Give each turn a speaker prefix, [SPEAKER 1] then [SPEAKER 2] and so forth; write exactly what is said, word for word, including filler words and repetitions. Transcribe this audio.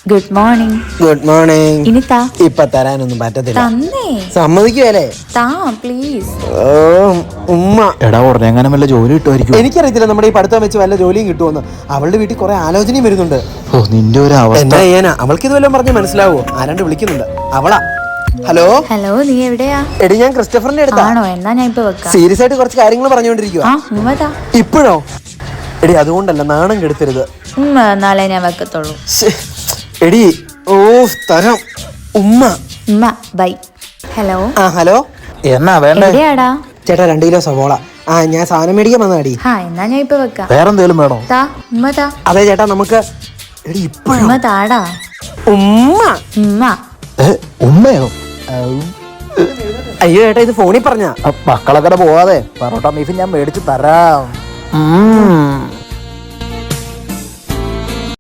[SPEAKER 1] Good morning.
[SPEAKER 2] Good morning.
[SPEAKER 1] ഇനി താ.
[SPEAKER 2] ഇപ്പൊ തരാനൊന്നും പറ്റത്തില്ല.
[SPEAKER 1] തന്നേ.
[SPEAKER 2] സമ്മതിക്കുവല്ലേ?
[SPEAKER 1] താ പ്ലീസ്.
[SPEAKER 2] ഓ ഉമ്മ.
[SPEAKER 3] എടാ ഉടനെ എങ്ങനെ വല്ല ജോലി കിട്ടുമായിരിക്കും.
[SPEAKER 2] എനിക്കറിയത്തില്ല നമ്മുടെ ഈ പഠിത്തം വെച്ച് വല്ല ജോലിയും കിട്ടുമെന്ന്. അവളുടെ വീട്ടിൽ കുറെ ആലോചനയും വരുന്നുണ്ട്.
[SPEAKER 3] ഓ നിന്റെ ഒരു അവസ്ഥ.
[SPEAKER 2] എന്താ ചെയ്യാനാ? അവൾക്ക് ഇത് വല്ലതും പറഞ്ഞ് മനസ്സിലാവോ? ആരാണ്ട് വിളിക്കുന്നുണ്ട്. അവളാ. ഹലോ
[SPEAKER 1] ഹലോ, നീ എവിടെയാ?
[SPEAKER 2] എടി ഞാൻ ക്രിസ്റ്റഫറിന്റെ അടുത്താ.
[SPEAKER 1] ആണോ? എന്നാ ഞാൻ ഇപ്പൊ വെക്കാം.
[SPEAKER 2] സീരിയസ് ആയിട്ട് കുറച്ച് കാര്യങ്ങൾ പറഞ്ഞുകൊണ്ടിരിക്കുക.
[SPEAKER 1] ആ ഉമ്മതാ.
[SPEAKER 2] ഇപ്പോഴോ? എടി അതുകൊണ്ടല്ല, നാണം കെടുത്തരുത്.
[SPEAKER 1] ഉമ്മ നാളെ ഞാൻ വെക്കത്തുള്ളൂ.
[SPEAKER 2] ശ്ശേ. എടി ഓ തരം ഉമ്മ.
[SPEAKER 1] ഉമ്മ ബൈ. ഹലോ.
[SPEAKER 2] ആ ഹലോ.
[SPEAKER 3] എന്നാ വേണ്ടേ?
[SPEAKER 1] എവിടെയാടാ?
[SPEAKER 2] ചേട്ടാ രണ്ട് കിലോ സവോള. ആ ഞാൻ സാധനം മേടിക്കാൻ വന്നതാടി.
[SPEAKER 1] ആ എന്നാ ഞാൻ ഇപ്പൊ വെക്കാം.
[SPEAKER 3] വേറെന്തേലും വേണോ?
[SPEAKER 1] താ ഉമ്മ താ.
[SPEAKER 2] അതെ ചേട്ടാ നമുക്ക്. എടി ഇപ്പോഴോ?
[SPEAKER 1] ഉമ്മ താടാ.
[SPEAKER 2] ഉമ്മ.
[SPEAKER 1] ഉമ്മ.
[SPEAKER 3] ഏ, ഉമ്മയോ?
[SPEAKER 2] അയ്യോ ചേട്ടാ ഇത് ഫോണിൽ പറഞ്ഞ
[SPEAKER 3] മക്കളൊക്കെ പോവാതെ പറോട്ട ബീഫ് ഞാൻ മേടിച്ച് തരാം. ഉം.